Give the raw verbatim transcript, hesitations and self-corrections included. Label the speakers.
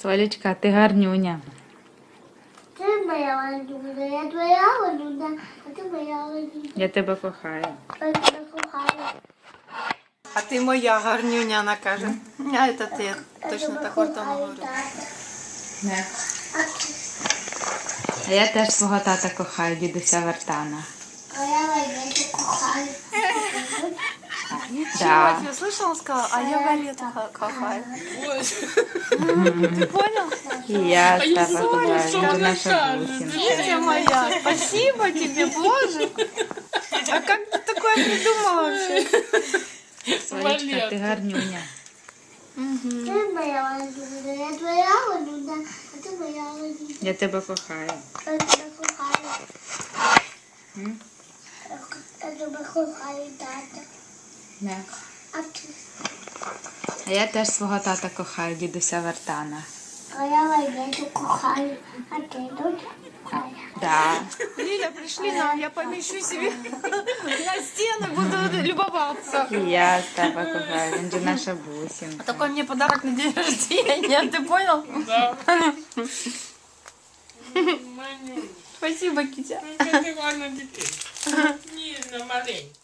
Speaker 1: Солічка, ти гарнюня.
Speaker 2: Ти моя Валюна, я твоя Валюна, а ти моя Валюна.
Speaker 1: Я тебе кохаю.
Speaker 2: Я тебе кохаю.
Speaker 3: А ти моя гарнюня, вона каже. А це ти
Speaker 2: Я
Speaker 3: точно
Speaker 2: тебе
Speaker 3: так тому
Speaker 2: кохаю,
Speaker 3: говорю.
Speaker 2: тата.
Speaker 1: Не.
Speaker 2: А ти?
Speaker 1: А я теж свого тата кохаю, дідуся Вартана.
Speaker 2: А я Валюну кохаю.
Speaker 1: Да.
Speaker 3: Я слышала, он сказал, а я Валету кохаю. Ты понял?
Speaker 1: І я тебе кохаю. Він же наша бусинка.
Speaker 3: Китя моя, спасибо тебе, Боже. А как ты такое придумала вообще?
Speaker 1: Солічка, ти гарнюня.
Speaker 2: Ти моя Валюна, я твоя Валюна, а ти моя Валюна.
Speaker 1: Я тебе кохаю.
Speaker 2: Я тебе кохаю.
Speaker 1: М?
Speaker 2: Я тебе кохаю, тата.
Speaker 1: Не.
Speaker 2: А ти?
Speaker 1: А я теж свого тата кохаю, дідуся Вартана.
Speaker 2: А я Валюну кохаю, а ти дуже кохаю.
Speaker 1: Да.
Speaker 3: Лиля, пришли нам, я помещу себе на стену, буду любоваться.
Speaker 1: І я тебе кохаю. Він же наша бусинка.
Speaker 3: Такой мне подарок на день рождения, ты понял?
Speaker 4: Да. Маню,
Speaker 3: Спасибо, Китя.
Speaker 4: ну ти гарна дитина. Ніжна, маленька.